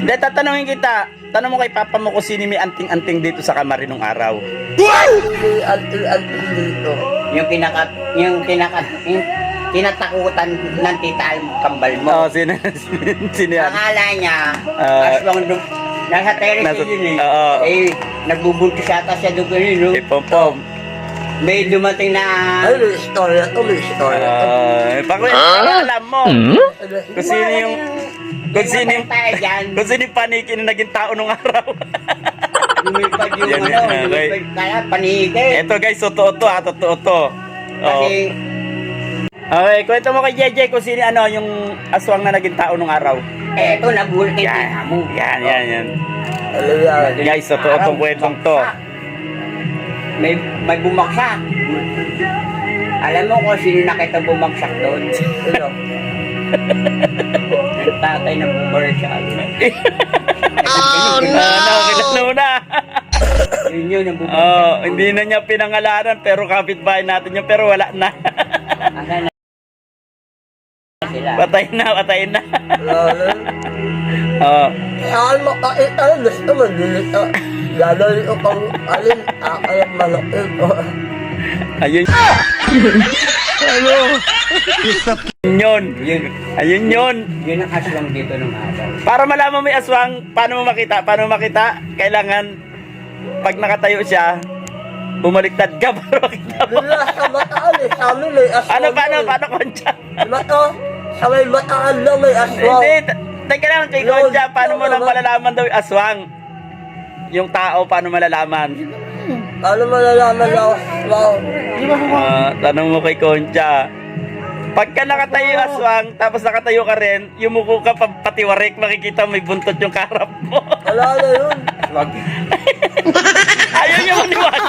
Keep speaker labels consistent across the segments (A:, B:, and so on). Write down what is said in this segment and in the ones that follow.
A: Dahil tatanungin kita, tanong mo kay papa mo kung sino may anting-anting dito sa kamari nung araw.
B: Anting dito. Yung tinatakutan ng tita ang kambal mo.
A: Oo, sino yan?
B: Akala niya, aswang nasa terrace
A: Nasa-
B: yun eh.
A: oo.
B: Eh, nagbubuntis yata siya doon yun, no?
A: Eh, pom-pom.
B: May dumating na...
C: Ay, may istorya to, may istorya to.
A: Pakwento, alam mo. Kung sino yung... Kung sino yung...
B: tayo dyan.
A: Kung sino yung paniki na naging tao nung araw.
B: Lumipad yung
A: Yan,
B: ano,
A: yan, okay.
B: lumipad kaya panigay.
A: Eto guys, totoo to ha, totoo to. Oo.
B: Kasi,
A: Okay, kwento mo kay JJ kung sino ano yung aswang na naging tao nung araw.
B: eto, nabulit yung tita mo.
A: Yan.
C: Alam yan.
A: Guys, totoo tong kwentong to.
B: May bumaksak. Alam mo kung sino nakita bumagsak doon?
C: Ano?
B: Ang tatay ng commercial.
A: Kilala mo na.
B: Yun ang bumagsak.
A: Oh, hindi na niya pinangalanan pero kapitbahay natin yun pero wala na.
B: Asan na sila?
A: Patay na.
C: Lalo.
A: Oh.
C: Saan makakita yun? Gusto mo, dilito. Gagawin ko pang alin, akalang malaki ko.
A: Ayun. Yun. Ayun yun.
B: Yun ang aswang dito ng araw.
A: Para malaman mo yung aswang, paano mo makita? Kailangan, pag nakatayo siya, bumaliktad ka para makita mo.
C: Doon lang sa bataan eh, sa amin may aswang.
A: Paano, Concha?
C: Diba to? Sa may bataan lang may aswang.
A: Hindi, teka lang kay Concha, paano mo lang malalaman daw yung aswang? Yung tao, paano malalaman?
C: Paano malalaman na aswang?
A: Tanong mo kay Concha. Pagka nakatayo yung aswang, tapos nakatayo ka rin, yumuko ka patiwarik, makikita may buntot yung karap mo.
C: Wala na yun.
B: Wag.
A: Ayaw niya maniwala.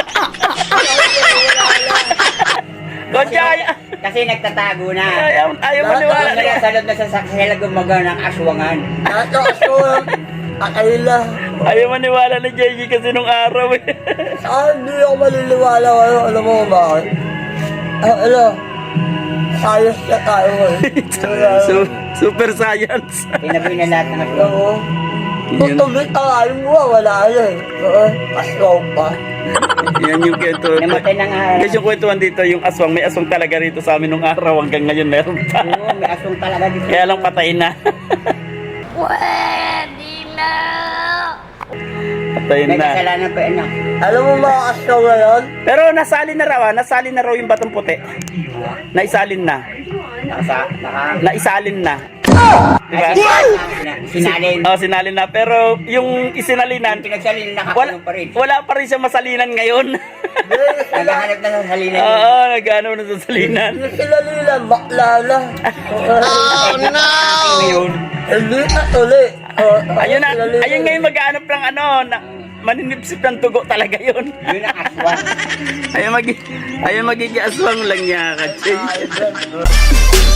A: Concha,
B: Kasi nagtatago na.
A: ayaw maniwala.
B: Kaya sa loob na sasakyan gumaga ng aswangan.
C: Lahat ng aswang, akayla.
A: Ayaw maniwala ni JJ kasi nung araw eh.
C: Saan hindi ako maliliwala ngayon? Alam mo kung bakit? Ano? Ayos na tayo ngayon.
A: Super science.
B: Tinabi na lahat ng aswang.
C: Oo. Kung tubig tayo mo, wala na eh. Oo, aswang pa.
A: Yan yung kwento.
B: Namatay na nga.
A: Guys, yung kwentuhan dito, yung aswang, may aswang talaga rito sa amin nung araw hanggang ngayon meron pa.
B: Oo, may aswang talaga dito.
A: Kaya lang patay na. Patay
B: May
A: na.
B: kasalanan pa yun.
C: Alam mo mga aswang ngayon?
A: Pero nasalin na raw yung batong puti. Naisalin na. Naisalin na. Diba?
B: Sinalin.
A: Oh, sinalin na. Pero yung isinalinan,
B: Pinagsalin na
A: wala,
B: nakakulong pa rin.
A: wala pa rin siya masalinan ngayon.
B: Naghahanap na sa salinan.
A: Oo, nagano na sa salinan.
C: Yung sila nila, bakla na.
B: Oh no! Ngayon.
C: Hindi na tuloy.
A: Ayun na, ayun ngayon maghanap ng ano, na, maninipsip ng tugo talaga yun.
B: Yun ang aswang.
A: Ayun magiging aswang lang niya, Katsi.
C: Ay,